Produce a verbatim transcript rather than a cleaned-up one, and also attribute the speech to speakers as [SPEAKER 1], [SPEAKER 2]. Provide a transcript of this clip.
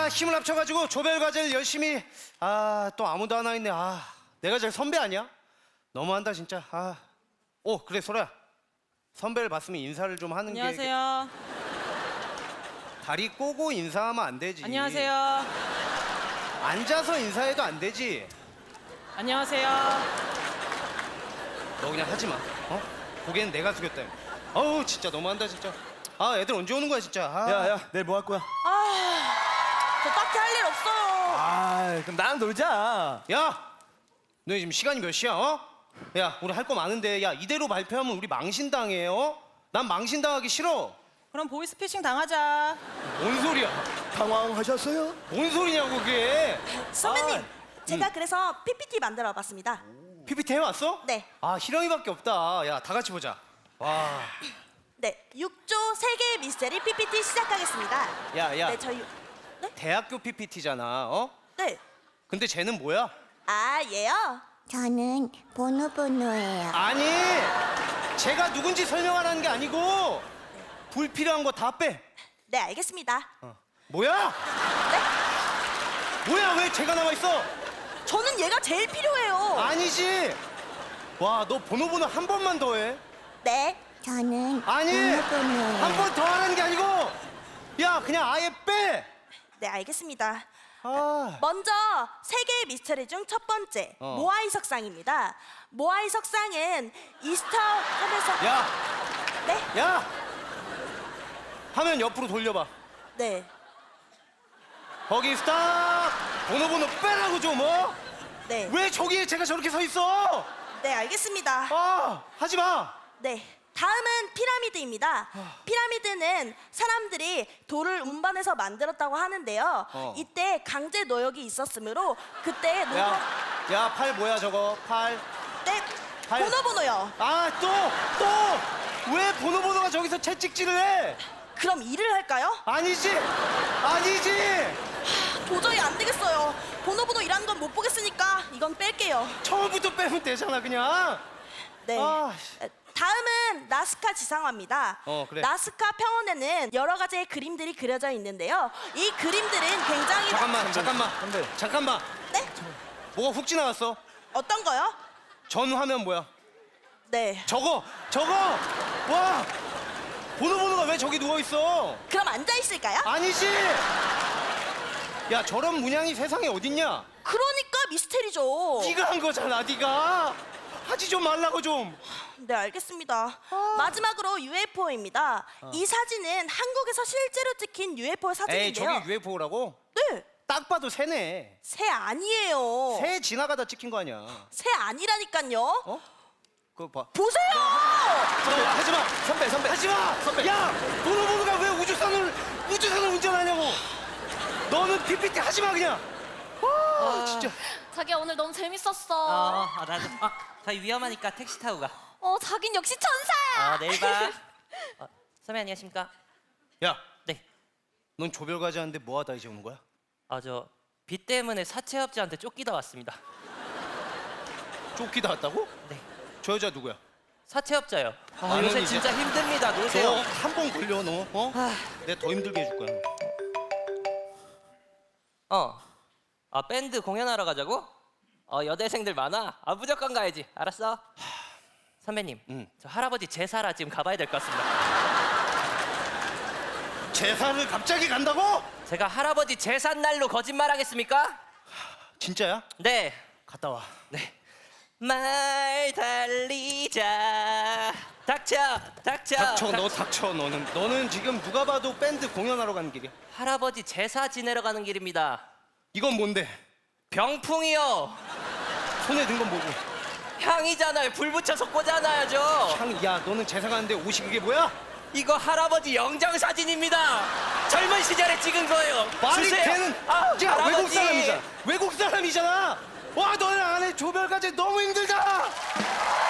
[SPEAKER 1] 아 힘을 합쳐가지고 조별 과제를 열심히. 아 또 아무도 안 와 있네. 아 내가 제일 선배 아니야? 너무한다 진짜. 아, 오 그래 소라야. 선배를 봤으면 인사를 좀 하는 게.
[SPEAKER 2] 안녕하세요.
[SPEAKER 1] 다리 꼬고 인사하면 안 되지.
[SPEAKER 2] 안녕하세요.
[SPEAKER 1] 앉아서 인사해도 안 되지.
[SPEAKER 2] 안녕하세요.
[SPEAKER 1] 너 그냥 하지 마. 어? 고개는 내가 숙였다. 어우 진짜 너무한다 진짜. 아 애들 언제 오는 거야 진짜. 아.
[SPEAKER 3] 야야 내일 뭐 할 거야?
[SPEAKER 2] 아, 저 딱히 할 일 없어요.
[SPEAKER 3] 아 그럼 나랑 놀자.
[SPEAKER 1] 야, 너 지금 시간이 몇 시야? 어? 야, 우리 할 거 많은데, 야 이대로 발표하면 우리 망신당해요. 어? 난 망신당하기 싫어.
[SPEAKER 2] 그럼 보이스피싱 당하자.
[SPEAKER 1] 뭔 소리야?
[SPEAKER 3] 당황하셨어요?
[SPEAKER 1] 뭔 소리냐고 그게?
[SPEAKER 4] 선배님,
[SPEAKER 1] 아,
[SPEAKER 4] 제가 그래서 피피티 만들어 봤습니다.
[SPEAKER 1] 피피티 해왔어?
[SPEAKER 4] 네.
[SPEAKER 1] 아 희령이밖에 없다. 야, 다 같이 보자. 와,
[SPEAKER 4] 네, 육 조 세계의 미스테리 피피티 시작하겠습니다.
[SPEAKER 1] 야, 야,
[SPEAKER 4] 네, 저희
[SPEAKER 1] 대학교 피피티잖아. 어?
[SPEAKER 4] 네.
[SPEAKER 1] 근데 쟤는 뭐야?
[SPEAKER 4] 아, 얘요?
[SPEAKER 5] 저는 보노보노예요.
[SPEAKER 1] 아니, 쟤가 누군지 설명하라는 게 아니고 불필요한 거 다 빼.
[SPEAKER 4] 네, 알겠습니다.
[SPEAKER 1] 어. 뭐야? 뭐야? 왜 쟤가 나와 있어?
[SPEAKER 4] 저는 얘가 제일 필요해요.
[SPEAKER 1] 아니지. 와, 너 번호 번호 한 번만 더 해.
[SPEAKER 4] 네.
[SPEAKER 5] 저는
[SPEAKER 1] 아니,
[SPEAKER 5] 보노보노예요.
[SPEAKER 1] 한 번 더 하라는 게 아니고, 야, 그냥 아예 빼.
[SPEAKER 4] 네, 알겠습니다.
[SPEAKER 1] 아,
[SPEAKER 4] 먼저 세계의 미스터리 중 첫 번째
[SPEAKER 1] 어.
[SPEAKER 4] 모아이 석상입니다. 모아이 석상은 이스터 섬에서
[SPEAKER 1] 야,
[SPEAKER 4] 네?
[SPEAKER 1] 야. 화면 옆으로 돌려봐.
[SPEAKER 4] 네.
[SPEAKER 1] 거기 스탑. 번호 번호 빼라고 좀 어?
[SPEAKER 4] 네.
[SPEAKER 1] 왜 저기에 제가 저렇게 서 있어?
[SPEAKER 4] 네, 알겠습니다.
[SPEAKER 1] 아, 하지 마.
[SPEAKER 4] 네. 다음은 피라미드입니다. 피라미드는 사람들이 돌을 운반해서 만들었다고 하는데요.
[SPEAKER 1] 어.
[SPEAKER 4] 이때 강제 노역이 있었으므로 그때 노동...
[SPEAKER 1] 야, 야, 팔 뭐야 저거? 팔.
[SPEAKER 4] 네.
[SPEAKER 1] 발-
[SPEAKER 4] 번호 번호요.
[SPEAKER 1] 아, 또, 또. 왜 번호 번호가 저기서 채찍질을 해?
[SPEAKER 4] 그럼 일을 할까요?
[SPEAKER 1] 아니지, 아니지.
[SPEAKER 4] 도저히 안 되겠어요. 번호 번호 일하는 건 못 보겠으니까 이건 뺄게요.
[SPEAKER 1] 처음부터 빼면 되잖아 그냥.
[SPEAKER 4] 네.
[SPEAKER 1] 아,
[SPEAKER 4] 다음은 나스카 지상화입니다.
[SPEAKER 1] 어, 그래.
[SPEAKER 4] 나스카 평원에는 여러 가지의 그림들이 그려져 있는데요. 이 그림들은 굉장히
[SPEAKER 1] 잠깐만, 잠깐만,
[SPEAKER 3] 선배.
[SPEAKER 1] 잠깐만.
[SPEAKER 4] 네?
[SPEAKER 1] 뭐가 훅 지나갔어?
[SPEAKER 4] 어떤 거요?
[SPEAKER 1] 전 화면 뭐야?
[SPEAKER 4] 네.
[SPEAKER 1] 저거, 저거. 와, 번호 번호가 왜 저기 누워 있어?
[SPEAKER 4] 그럼 앉아 있을까요?
[SPEAKER 1] 아니지. 야, 저런 문양이 세상에 어딨냐?
[SPEAKER 4] 그러니까 미스테리죠.
[SPEAKER 1] 네가 한 거잖아, 네가. 하지 좀 말라고 좀.
[SPEAKER 4] 네, 알겠습니다. 마지막으로 유에프오입니다. 이 사진은 한국에서 실제로 찍힌 유에프오
[SPEAKER 1] 에이,
[SPEAKER 4] 사진인데요.
[SPEAKER 1] 저게 유에프오라고?
[SPEAKER 4] 네,
[SPEAKER 1] 딱 봐도 새네.
[SPEAKER 4] 새 아니에요.
[SPEAKER 1] 새 지나가다 찍힌 거 아니야?
[SPEAKER 4] 새 아니라니까요.
[SPEAKER 1] 어? 그거 봐.
[SPEAKER 4] 보세요.
[SPEAKER 1] 너 하지 마.
[SPEAKER 3] 선배 선배.
[SPEAKER 1] 하지 마.
[SPEAKER 3] 선배.
[SPEAKER 1] 야, 번호 번호가 왜 우주선을 우주선을 운전하냐고. 너는 피피티 하지 마 그냥. 아, 진짜.
[SPEAKER 6] 자기야 오늘 너무 재밌었어.
[SPEAKER 7] 어, 아, 나도. 아, 자기 위험하니까 택시 타고 가.
[SPEAKER 6] 어, 자긴 역시 천사야.
[SPEAKER 7] 아, 내일 봐. 어, 선배 안녕하십니까?
[SPEAKER 1] 야,
[SPEAKER 7] 네.
[SPEAKER 1] 넌 조별 과제 하는데 뭐 하다 이제 오는 거야?
[SPEAKER 7] 아, 저 비 때문에 사채업자한테 쫓기다 왔습니다.
[SPEAKER 1] 쫓기다 왔다고?
[SPEAKER 7] 네.
[SPEAKER 1] 저 여자 누구야?
[SPEAKER 7] 사채업자요. 아,
[SPEAKER 1] 나는
[SPEAKER 7] 요새
[SPEAKER 1] 이제-
[SPEAKER 7] 진짜 힘듭니다. 노세요.
[SPEAKER 1] 너 한 번 걸려 너. 어? 내가 더 힘들게 해줄 거야.
[SPEAKER 7] 어. 아, 밴드 공연하러 가자고? 어, 여대생들 많아. 아, 무조건 가야지. 알았어. 선배님,
[SPEAKER 1] 응.
[SPEAKER 7] 저 할아버지 제사라 지금 가봐야 될 것 같습니다.
[SPEAKER 1] 제사를 갑자기 간다고?
[SPEAKER 7] 제가 할아버지 제삿날로 거짓말하겠습니까?
[SPEAKER 1] 진짜야?
[SPEAKER 7] 네.
[SPEAKER 1] 갔다 와.
[SPEAKER 7] 네. 말 달리자. 닥쳐, 닥쳐.
[SPEAKER 1] 닥쳐,
[SPEAKER 7] 닥-
[SPEAKER 1] 너 닥쳐. 너는 너는 지금 누가 봐도 밴드 공연하러 가는 길이야.
[SPEAKER 7] 할아버지 제사 지내러 가는 길입니다.
[SPEAKER 1] 이건 뭔데?
[SPEAKER 7] 병풍이요.
[SPEAKER 1] 손에 든 건 뭐고?
[SPEAKER 7] 향이잖아요. 불 붙여서 꽂아놔야죠.
[SPEAKER 1] 향, 야, 너는 제사 가는데 옷이 그게 뭐야?
[SPEAKER 7] 이거 할아버지 영정 사진입니다. 젊은 시절에 찍은 거예요.
[SPEAKER 1] 말이
[SPEAKER 7] 주세요.
[SPEAKER 1] 되는.
[SPEAKER 7] 아,
[SPEAKER 1] 야,
[SPEAKER 7] 할아버지.
[SPEAKER 1] 외국 사람이잖아. 외국 사람이잖아. 와, 너네 안에 조별 과제 너무 힘들다.